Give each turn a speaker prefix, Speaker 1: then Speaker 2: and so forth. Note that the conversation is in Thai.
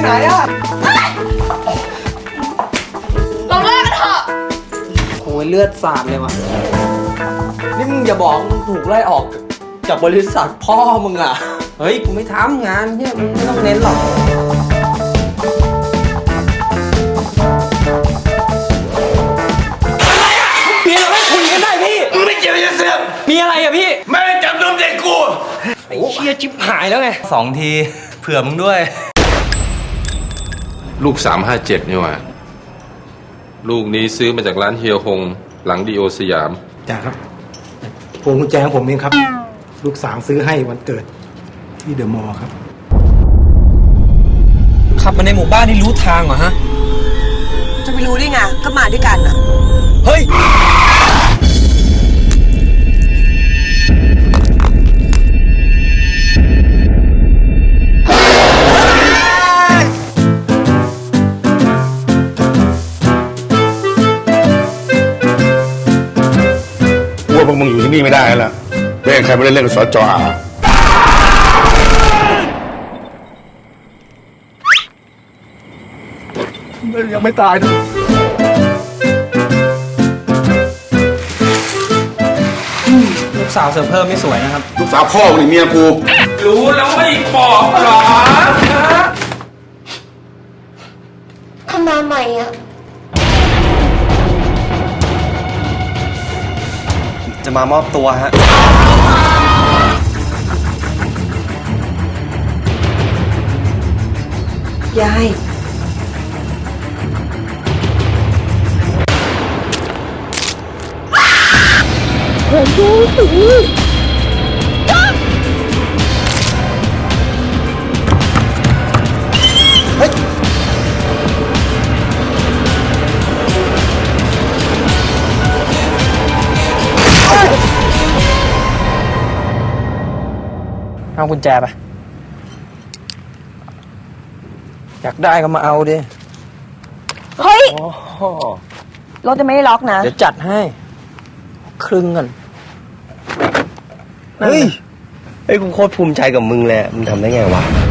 Speaker 1: ไหนอะ
Speaker 2: เราเลิกกันเถอะ
Speaker 1: โอ้ยเลือดสาดเลยวะนี่มึงอย่าบอกมึงถูกไล่ออกจากบริษัทพ่อมึงอะเฮ้ยกูไม่ทำงานเนี่ยมึงไม่ต้องเน้นหรอกมีอะไรไม่คุยกันได้พี่
Speaker 3: มึงไม่เกี่ยวกับเสื้อ
Speaker 1: มีอะไรอะพี่
Speaker 3: แม่จับนมเด็กกู
Speaker 1: ไอ้เชี่ยชิบหายแล้วไง
Speaker 4: 2 ทีเผื่อมึงด้วย
Speaker 5: ลูก357นี่หว่าลูกนี้ซื้อมาจากร้านเฮียฮงหลังดีโอสยาม
Speaker 6: จ่าครับพวงกุญแจของผมเองครับลูกสาวซื้อให้วันเกิดที่เดอะมอลล์ครับ
Speaker 1: ขับมาในหมู่บ้านนี่รู้ทางเหรอฮะ
Speaker 2: จะไปรู้ได้ไงก็มาด้วยกันอะ
Speaker 1: เฮ้ย
Speaker 3: ว่าพวกมึงอยู่ที่นี่ไม่ได้แล้วล่ะแม่งใครไม่ได้เล่นกับสจ.อายังไม่ตายนะ
Speaker 1: ลูกสาวเสริมเพิ่มไม่สวยนะครับ
Speaker 3: ลูกสาวพ่อมึงนี่เมียกู
Speaker 5: รู้แล้วไม่บอกหรอ
Speaker 2: เขามาใหม่อะ
Speaker 4: จะมามอบตัวฮะ
Speaker 2: ยาย
Speaker 1: เอากุญแจไปอยากได้ก็มาเอาดิ
Speaker 2: เฮ้ยรถจะไม่ได้ล็อกนะ
Speaker 1: เดี๋ยวจัดให้ครึ่งกัน
Speaker 4: เฮ้ยกูโคตรภูมิใจกับมึงเลยมึงทำได้ไงวะ